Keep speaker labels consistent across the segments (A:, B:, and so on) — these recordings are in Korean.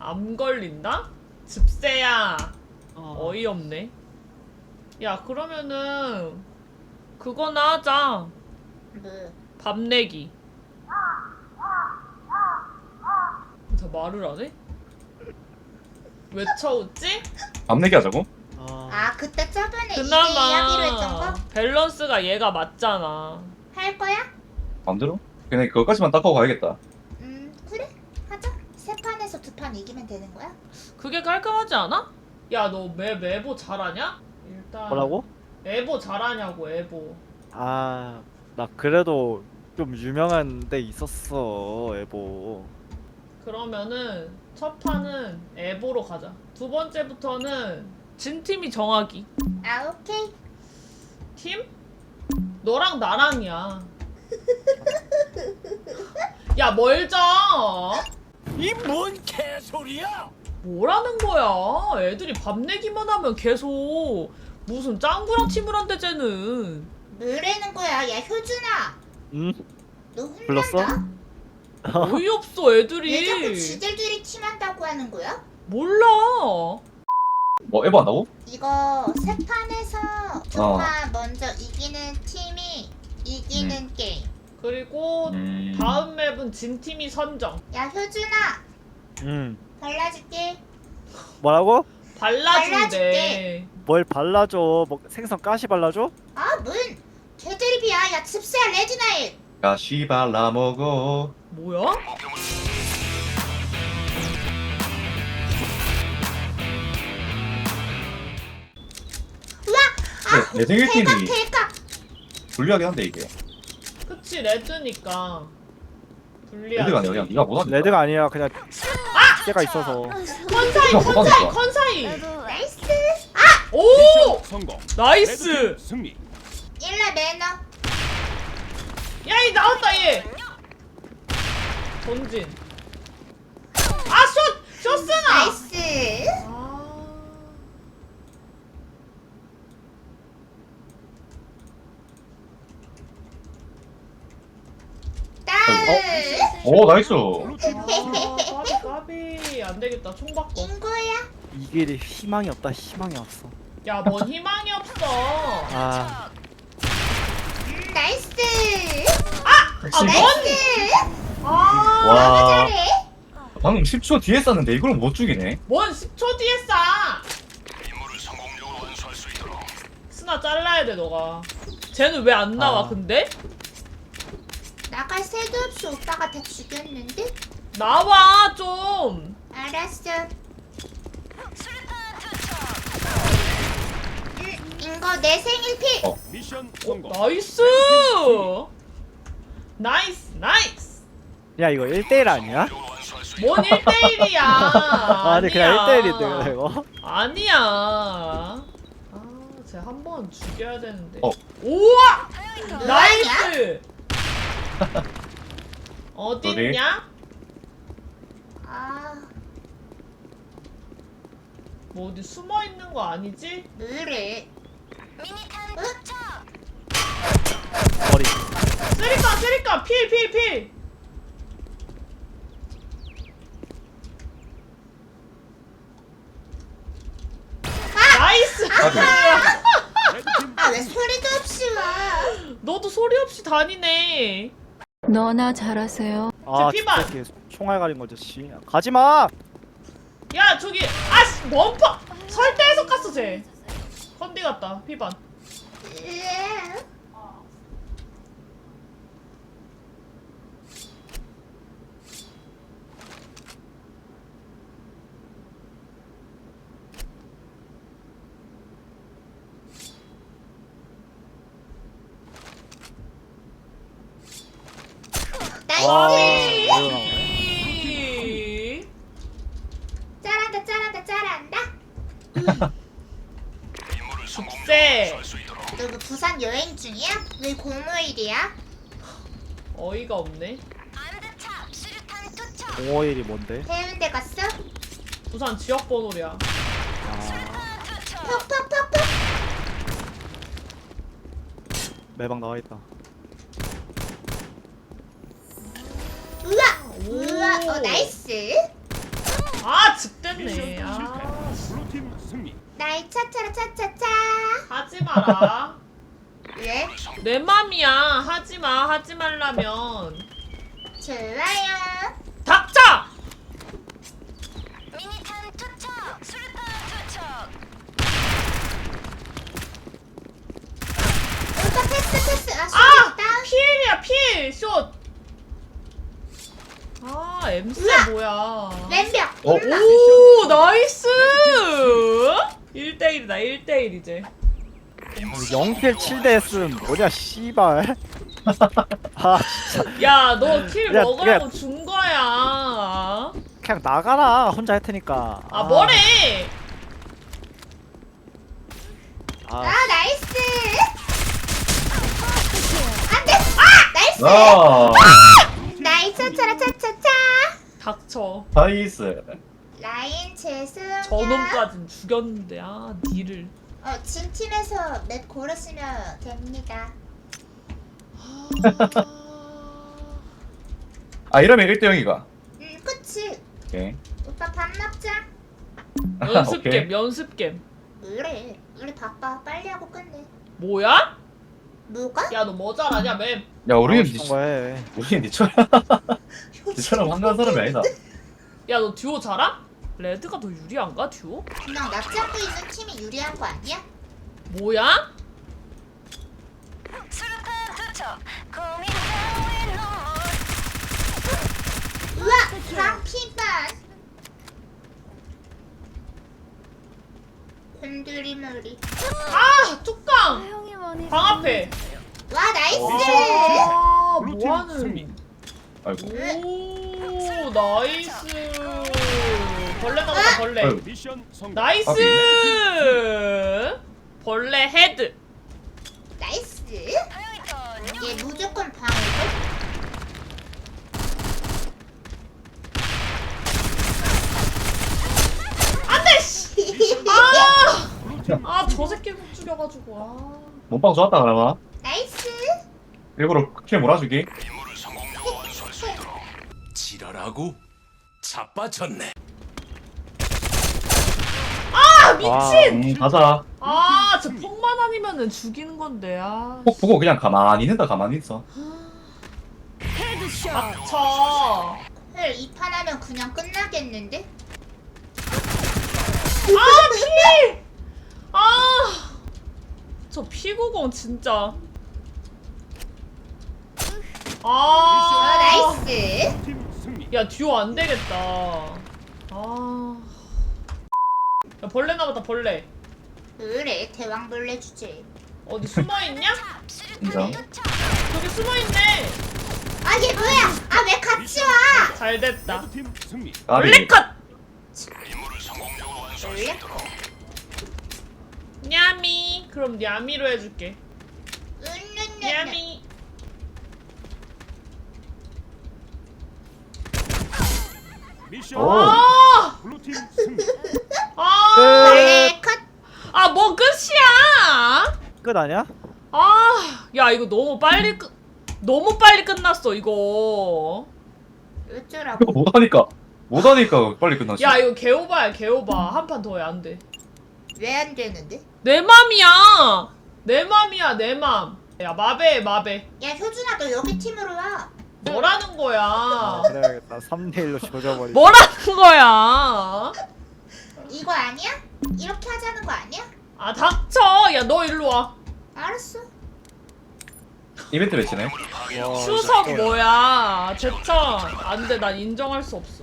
A: 암 걸린다? 즙세야. 어이없네. 야, 그러면은 그거나 하자.
B: 뭐?
A: 밥 내기. 다 말을 안 해? 왜 쳐웃지?
C: 밥 내기 하자고?
B: 아 그때 저번에 이게
A: 그나마
B: 이야기로 했던 거?
A: 밸런스가 얘가 맞잖아.
B: 할 거야?
C: 마음대로? 그냥 그거까지만 닦고 가야겠다.
B: 그래 하자. 세 판에서 두 판 이기면 되는 거야?
A: 그게 깔끔하지 않아? 야, 너 에보 잘하냐? 일단
D: 뭐라고?
A: 에보 잘하냐고, 에보.
D: 아, 나 그래도 좀 유명한 데 있었어, 에보.
A: 그러면은 첫 판은 에보로 가자. 두 번째부터는 진 팀이 정하기.
B: 아 오케이.
A: 팀? 너랑 나랑이야. 야, 뭘 져?
E: 이 뭔 개소리야?
A: 뭐라는 거야? 애들이 밥 내기만 하면 계속 무슨 짱구랑 팀을 한대 쟤는.
B: 뭐라는 거야? 야 효준아,
D: 응?
B: 너 혼난다?
D: 불렀어?
A: 어이없어
B: 왜 자꾸
A: 애들이.
B: 지들들이 팀한다고 하는 거야?
A: 몰라.
C: 뭐 에버 한다고?
B: 이거 세 판에서 두 판 먼저 이기는 팀이 이기는 게임.
A: 그리고 다음 맵은 진 팀이 선정.
B: 야 효준아,
D: 응.
B: 발라줄게.
D: 뭐라고?
A: 발라준대.
B: 발라줄게.
D: 뭘 발라줘? 뭐 생선 가시 발라줘?
B: 아 뭔 개드립이야. 야 칩스야 레드나일.
C: 가시 발라 먹어.
A: 뭐야?
C: 내 생일
B: 대각
C: 팀이
B: 대각.
C: 불리하긴 한데 이게.
A: 그치, 레드니까 불리하지.
C: 레드가 아니라 그냥 네가 못하니까.
D: 레드가 아니라 그냥 때가 있어서.
A: 컨사이
C: 네가
A: 컨사이
C: 못하니까.
A: 컨사이.
B: 나이스.
A: 오!
E: 미션 성공.
A: 나이스.
E: 레드팀 승리.
B: 일라 매너.
A: 야, 이 나왔다 얘. 본진. 아, 쇼스나.
B: 나이스.
A: 아.
B: 다음.
C: 오 나이스.
A: 아, 까비 안 되겠다. 총 바꿔.
B: 인거야.
D: 이 길이 희망이 없다, 희망이 없어.
A: 야, 뭔 희망이 없어.
D: 아,
B: 나이스.
A: 아, 뭔?
B: 나이스.
A: 아,
C: 와.
B: 잘해.
C: 방금 10초 뒤에 쐈는데 이걸 못 죽이네.
A: 뭔 10초 뒤에 싸. 스나 잘라야 돼 너가. 쟤는 왜 안 나와
D: 아.
A: 근데?
B: 나갈 새도 없이 오빠가 다 죽였는데?
A: 나와 좀.
B: 알았어. 인거 내 생일 피.
E: 미션
A: 어,
E: 성공.
A: 나이스. 나이스 나이스.
D: 야 이거 1대1 아니야?
A: 뭔 1대1이야.
D: 아니 그냥 1대1인데 이거.
A: 아니야. 아, 쟤 한 번 죽여야 되는데.
C: 어.
A: 우와!
B: 뭐하냐?
A: 나이스!
C: 어디?
A: 어딨냐?
B: 아,
A: 뭐 어디 숨어 있는 거 아니지?
B: 뭐래?
D: 머리.
A: 쓰리까 필. 나이스!
E: 레드팀
B: 아, 왜 소리도 없이 와?
A: 너도 소리 없이 다니네.
F: 너나 잘하세요.
D: 아,
A: 피반.
D: 진짜 이렇게 총알 가린 거지 씨. 가지 마.
A: 야, 저기 아씨 원파 설대에서 깠어 쟤. 컨디 같다. 피반.
B: 으아.
D: 와.
B: 나이스.
D: 이거 나오네.
B: 잘한다.
A: 죽세.
B: 너 그 부산 여행 중이야? 왜 공휴일이야?
A: 어이가 없네.
D: 051이 뭔데?
B: 해운대 갔어?
A: 부산 지역 번호랴.
D: 아,
B: 퍽퍽퍽퍽.
D: 매방 나와 있다.
B: 우와. 나이스.
A: 아, 즉됐네.
E: 미션
A: 아,
E: 실패. 블루팀 승리.
B: 나의 차차라 차차차.
A: 하지 마라.
B: 왜?
A: 내 맘이야. 하지 마. 하지 말라면.
B: 좋아요.
A: 닥쳐!
G: 미니탄 투척! 수류탄 투척!
B: 오빠 패스. 아,
A: 아!
B: 다운.
A: 필이야, 필! 숏! 아, MC
B: 우와!
A: 뭐야.
B: 왼벽.
C: 어?
A: 오, 나이스! 1대1이다, 1대1 이제.
D: 0킬 7대 S는 뭐냐 씨발. 아 진짜
A: 야, 너 킬
D: 야,
A: 먹으라고 준 거야.
D: 그냥 나가라. 혼자 할 테니까.
A: 아, 뭐래?
B: 아,
D: 아,
B: 나이스. 안 돼. 아, 나이스.
C: 아
B: 나이스 차차라 차차차.
A: 닥쳐.
C: 나이스.
B: 라인 죄송해요.
A: 저놈까진 죽였는데, 아, 니를.
B: 진 팀에서 맵 고르시면 됩니다.
C: 아 이러면 1대 0이가.
B: 그치.
C: 오케이.
B: 오빠 밥 먹자.
A: 연습겜,
C: 오케이.
A: 연습겜.
B: 뭐래? 우리 바빠. 빨리 하고 끝내.
A: 뭐야?
B: 뭐가?
A: 야, 너 뭐 잘하냐, 맵?
C: 야 우리는
D: 하고 싶은 거 해.
C: 우리는 니처럼 한가한 사람이 아니다.
A: 야, 너 듀오 잘함? 레드가 더 유리한가, 듀오?
B: 그냥 나 잡고 있는 팀이 유리한 거 아니야?
A: 뭐야?
G: 수류탄 투척! 고민 따윈 눈물!
B: 우와! 방피반! 곤드리머리.
A: 아, 뚜껑!
F: 사용이 많이
A: 방 앞에.
B: 와, 나이스!
A: 아,
E: 블루팀 승리.
A: 뭐하는.
C: 아이고.
A: 오, 나이스. 벌레 나온다, 벌레.
C: 아유.
E: 미션 성공.
A: 나이스! 벌레 헤드.
B: 나이스!
G: 하영이턴
B: 얘 무조건 방이고.
A: 안 돼, 씨! 아!
E: 블루팀
A: 아, 저 새끼 못 죽여가지고, 아.
C: 몸빵 좋았다 그러나?
B: 나이스!
C: 일부러 킬 몰아주기.
E: 지랄하고 자빠졌네.
A: 아, 미친!
C: 가자.
A: 아, 저 폭만 아니면은 죽이는 건데, 아.
C: 폭 보고 그냥 가만히 있는다 가만히 있어.
A: 닥쳐.
B: 헐, 2판 하면 그냥 끝나겠는데?
A: 아, 피! 아! 저 피구공 진짜. 아,
B: 나이스!
E: 팀 승리.
A: 야, 듀오 안 되겠다. 아. 야, 벌레 나왔다, 벌레.
B: 그래, 대왕벌레 주제.
A: 어디 숨어 있냐?
C: 인정.
A: 저기 숨어 있네.
B: 아, 얘 뭐야? 아, 왜 같이 와?
A: 잘 됐다.
E: 레드팀 승리.
C: 까비.
A: 벌레 컷.
B: 원래?
A: 냐미. 그럼 냐미로 해줄게. 냐미.
E: 미션
C: 오.
A: 아!
E: 블루팀 승리.
A: 아!
B: 원래 컷.
A: 아, 뭐 끝이야?
D: 끝 아니야?
A: 아, 야, 이거 너무 빨리 끝났어, 이거.
B: 어쩌라고?
C: 이거 못하니까 빨리 끝났어.
A: 야, 이거 개오바야, 개오바. 한 판 더 해, 안 돼.
B: 왜 안 되는데?
A: 내 맘이야! 내 맘이야, 내 맘. 야, 마베, 마베.
B: 야, 효준아, 너 여기 팀으로 와.
A: 뭐라는 거야?
D: 아, 그래야겠다. 3대 1로 조져버리.
A: 뭐라는 거야?
B: 이거 아니야? 이렇게 하자는 거 아니야?
A: 아, 닥쳐! 야, 너 일로 와.
B: 알았어.
C: 이벤트 매치네.
D: 와,
A: 추석
D: 진짜.
A: 뭐야? 제천. 안 돼, 난 인정할 수 없어.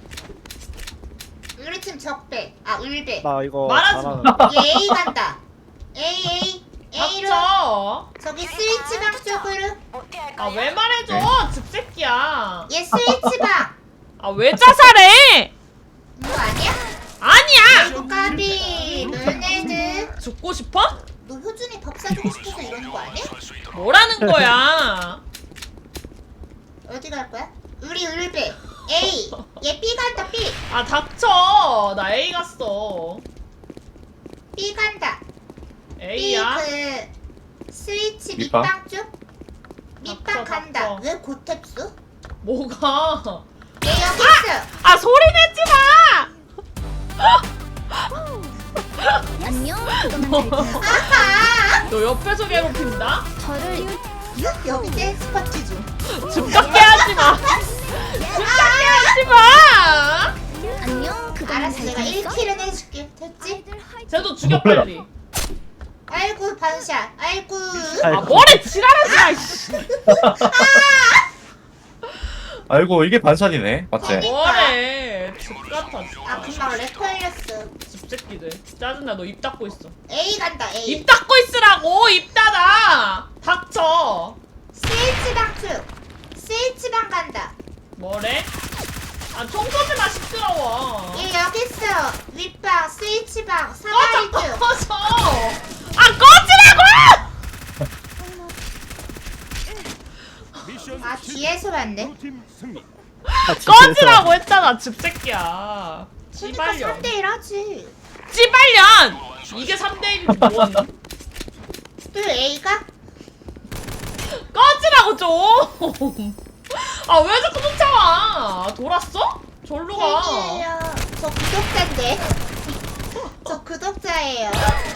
B: 우리 팀 적배. 아, 울배.
D: 나 이거
A: 말하지 마.
D: 잘하는데.
B: 얘 A 간다. A로.
A: 닥쳐!
B: 저기 스위치방 쪽으로.
G: 어떻게
A: 아,
G: 할까요?
A: 왜 말해줘? 집새끼야.
B: 얘 스위치방.
A: 아, 왜 자살해?
B: 이거 아니야?
A: 아니야!
B: 까비. 너네들.
A: 죽고 싶어?
B: 너 효준이 밥 사주고 싶어서 이러는 거 아니야?
A: 뭐라는 거야?
B: 어디 갈 거야? 우리 울배. A. 얘 B 간다, B.
A: 아, 닥쳐! 나 A 갔어.
B: B 간다. B
A: A야?
B: 그 스위치
C: 밑방?
B: 밑방 쪽? 밑방
A: 닥쳐,
B: 간다.
A: 닥쳐.
B: 왜 고탭수?
A: 뭐가?
B: 얘 여기 있어.
A: 아, 소리 내지 마! 옆에서 괴롭힌다?
F: 저를
B: 여기 댄스 파티 중.
A: 집착해 하지마 집착해 하지마
F: 안녕. 그건
B: 알았어,
F: 잘
B: 내가
F: 지냈어?
B: 1킬은 해줄게. 됐지?
A: 쟤도 죽여 빨리
B: 아이고 반샷. 아이고.
A: 아 뭐래 지랄하지마 이씨
C: 아이고 이게 반샷이네. 맞지?
A: 뭐래 집같아
B: 아 금방 렉 걸렸어.
A: 집새끼들 짜증나 너 입 닫고 있어
B: A 간다 A.
A: 입 닫고 있으라고 입 닫아 닥쳐
B: 스위치방 큐. 스위치방 간다.
A: 뭐래? 아 총 쏘지마 시끄러워
B: 얘 여기 있어. 윗방 스위치방
A: 꺼져
B: 사다리 큐.
A: 꺼져 아 꺼지라고!
E: 미션
B: 아 뒤에서 봤네.
E: 블루팀 승리.
A: 꺼지라고 했잖아 집새끼야
B: 그러니까
A: 씨발년
B: 3대1 하지.
A: 씨발년 이게 3대1이지 뭔
B: 또 A가?
A: 꺼지라고 좀 아 왜 자꾸 쫓아와 돌았어? 절로 가
B: 팬이에요. 저 구독자인데. 저 구독자예요.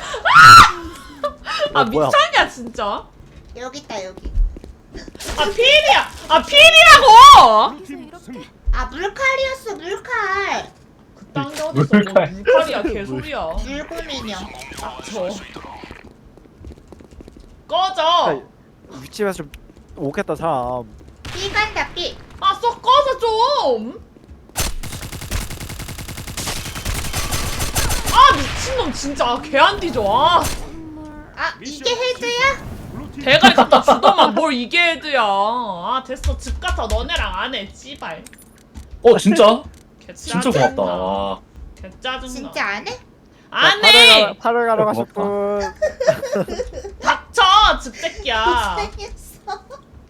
A: 아
D: 뭐야.
A: 미쳤냐 진짜
B: 여기 있다 여기.
A: 아 필이야 아 필이라고
E: 블루팀 승리.
B: 아 물칼이었어 물칼.
A: 그딴 게 어딨어 뭐
C: 물칼.
A: 물칼이야 개소리야
B: 물고민형.
A: 닥쳐 꺼져
D: 윗집에서 좀 오겠다 사람.
B: B 간다 B.
A: 아 썩 꺼져 좀 아 미친놈 진짜 개 안 뒤져 아
B: 아 이게 헤드야?
E: 블루팀
A: 대가리 갖다 주더만 뭘 이게 헤드야 아 됐어 집 같아 너네랑 안해 씨발
C: 진짜?
A: 개
C: 진짜
A: 짜증나.
C: 고맙다.
A: 개 짜증나
B: 진짜 안 해?
A: 안해
D: 팔을 가러 가실
C: 고맙다.
D: 분.
A: 닥쳐 집새끼야
B: 못생겼어.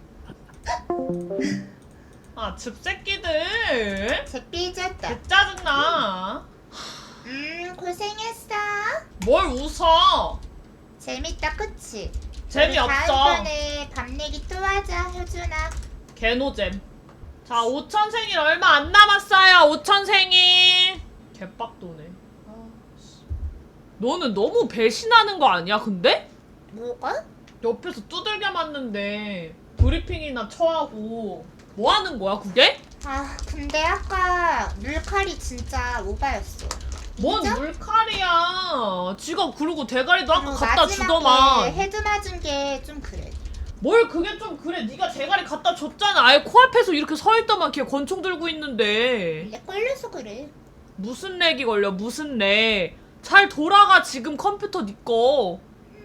A: 아 집새끼들
B: 제 삐졌다.
A: 개 짜증나
B: 고생했어.
A: 뭘 웃어
B: 재밌다 그치?
A: 재미없어
B: 우리 다음번에 밤 내기 또 하자 효준아.
A: 개노잼 자 5천 생일 얼마 안 남았어요 5천 생일 개빡도네 아, 씨. 너는 너무 배신하는 거 아니야 근데?
B: 뭐가?
A: 옆에서 두들겨 맞는데 브리핑이나 처하고 뭐 하는 거야 그게?
B: 아 근데 아까 물칼이 진짜 오바였어.
A: 뭔
B: 진짜?
A: 물칼이야 지가 그러고 대가리도 아까
B: 그리고
A: 갖다
B: 마지막에
A: 주더만
B: 헤드 맞은 게 좀 그래.
A: 뭘 그게 좀 그래 네가 대가리 갖다 줬잖아 아예 코앞에서 이렇게 서있더만 걔 권총 들고 있는데
B: 렉 걸려서 그래.
A: 무슨 렉이 걸려 무슨 렉잘 돌아가 지금 컴퓨터 니꺼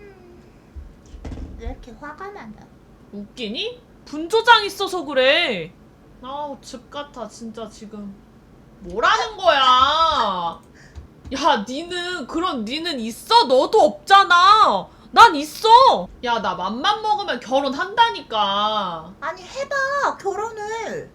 B: 왜 이렇게 화가 많아?
A: 웃기니? 분조장 있어서 그래 아우 집 같아 진짜 지금 뭐라는 거야 야 니는 있어? 너도 없잖아 난 있어 야 나 맘만 먹으면 결혼한다니까
B: 아니 해봐 결혼을.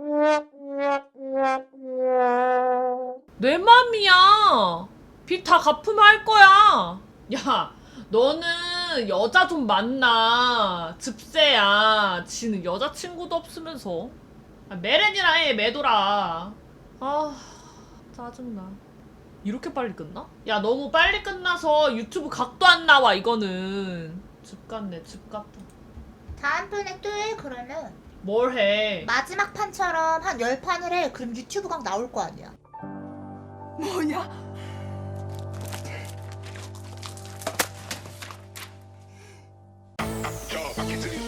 A: 내 맘이야 빚 다 갚으면 할 거야 야 너는 여자 좀 만나 즙세야 지는 여자친구도 없으면서 아, 메렌이랑 해 매도라 아 짜증나 이렇게 빨리 끝나? 야 너무 빨리 끝나서 유튜브 각도 안 나와 이거는 집 같네 집 같다
B: 다음번에 또 해 그러면.
A: 뭘 해
B: 마지막 판처럼 한 10판을 해. 그럼 유튜브 각 나올 거 아니야.
H: Yo, I can do